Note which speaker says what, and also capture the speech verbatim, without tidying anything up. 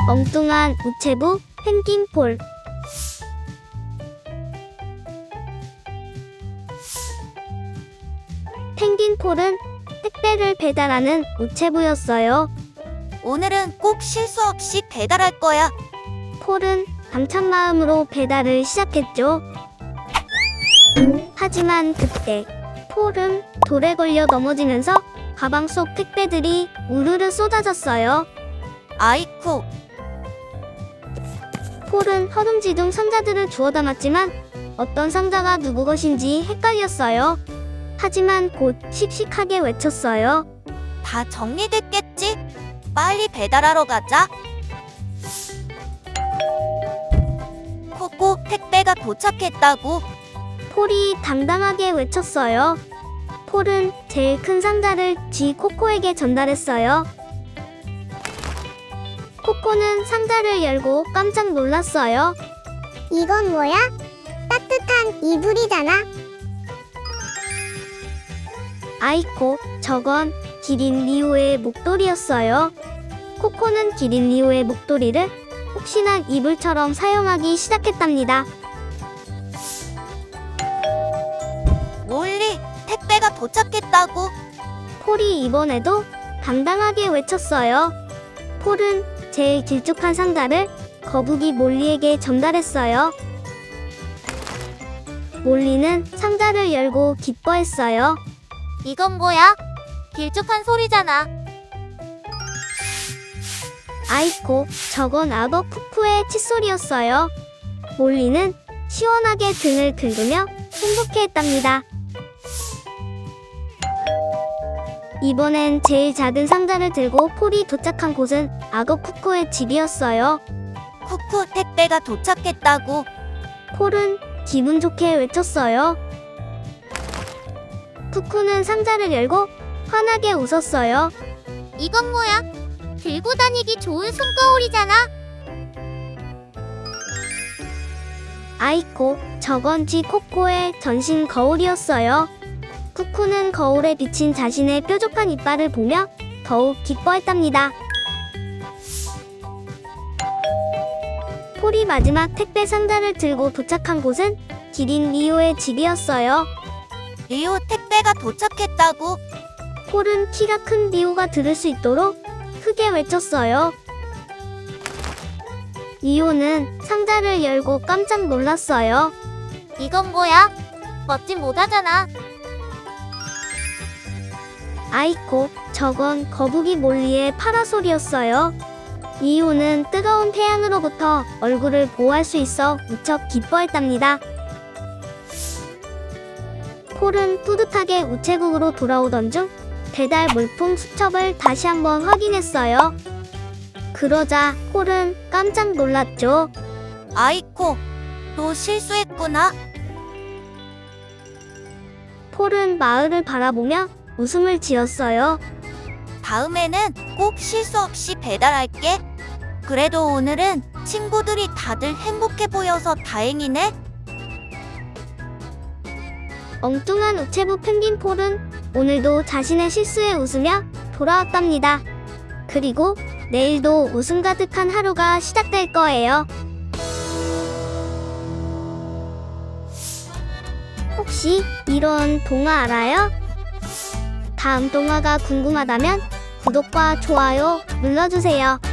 Speaker 1: 엉뚱한 우체부 펭귄폴. 펭귄폴은 택배를 배달하는 우체부였어요.
Speaker 2: 오늘은 꼭 실수 없이 배달할 거야.
Speaker 1: 폴은 당찬 마음으로 배달을 시작했죠. 하지만 그때 폴은 돌에 걸려 넘어지면서 가방 속 택배들이 우르르 쏟아졌어요.
Speaker 2: 아이쿠,
Speaker 1: 폴은 허둥지둥 상자들을 주워 담았지만 어떤 상자가 누구 것인지 헷갈렸어요. 하지만 곧 씩씩하게 외쳤어요.
Speaker 2: 다 정리됐겠지? 빨리 배달하러 가자. 코코, 택배가 도착했다고.
Speaker 1: 폴이 당당하게 외쳤어요. 폴은 제일 큰 상자를 쥐 코코에게 전달했어요. 코코는 상자를 열고 깜짝 놀랐어요.
Speaker 3: 이건 뭐야? 따뜻한 이불이잖아.
Speaker 1: 아이코, 저건 기린 리오의 목도리였어요. 코코는 기린 리오의 목도리를 혹시나 이불처럼 사용하기 시작했답니다.
Speaker 2: 몰리, 택배가 도착했다고.
Speaker 1: 폴이 이번에도 당당하게 외쳤어요. 폴은 제일 길쭉한 상자를 거북이 몰리에게 전달했어요. 몰리는 상자를 열고 기뻐했어요.
Speaker 2: 이건 뭐야? 길쭉한 소리잖아.
Speaker 1: 아이코, 저건 악어 푸푸의 칫솔이었어요. 몰리는 시원하게 등을 긁으며 행복해했답니다. 이번엔 제일 작은 상자를 들고 폴이 도착한 곳은 악어 쿠쿠의 집이었어요.
Speaker 2: 쿠쿠, 택배가 도착했다고.
Speaker 1: 폴은 기분 좋게 외쳤어요. 쿠쿠는 상자를 열고 환하게 웃었어요.
Speaker 2: 이건 뭐야? 들고 다니기 좋은 손거울이잖아.
Speaker 1: 아이코, 저건 쥐 코코의 전신 거울이었어요. 쿠쿠는 거울에 비친 자신의 뾰족한 이빨을 보며 더욱 기뻐했답니다. 폴이 마지막 택배 상자를 들고 도착한 곳은 기린 리오의 집이었어요.
Speaker 2: 리오, 택배가 도착했다고.
Speaker 1: 폴은 키가 큰 리오가 들을 수 있도록 크게 외쳤어요. 리오는 상자를 열고 깜짝 놀랐어요.
Speaker 2: 이건 뭐야? 멋진 모자잖아.
Speaker 1: 아이코, 저건 거북이 몰리의 파라솔이었어요. 리오는 뜨거운 태양으로부터 얼굴을 보호할 수 있어 무척 기뻐했답니다. 폴은 뿌듯하게 우체국으로 돌아오던 중 배달 물품 수첩을 다시 한번 확인했어요. 그러자 폴은 깜짝 놀랐죠.
Speaker 2: 아이코, 또 실수했구나.
Speaker 1: 폴은 마을을 바라보며 웃음을 지었어요.
Speaker 2: 다음에는 꼭 실수 없이 배달할게. 그래도 오늘은 친구들이 다들 행복해 보여서 다행이네.
Speaker 1: 엉뚱한 우체부 펭귄 폴은 오늘도 자신의 실수에 웃으며 돌아왔답니다. 그리고 내일도 웃음 가득한 하루가 시작될 거예요. 혹시 이런 동화 알아요? 다음 동화가 궁금하다면 구독과 좋아요 눌러주세요.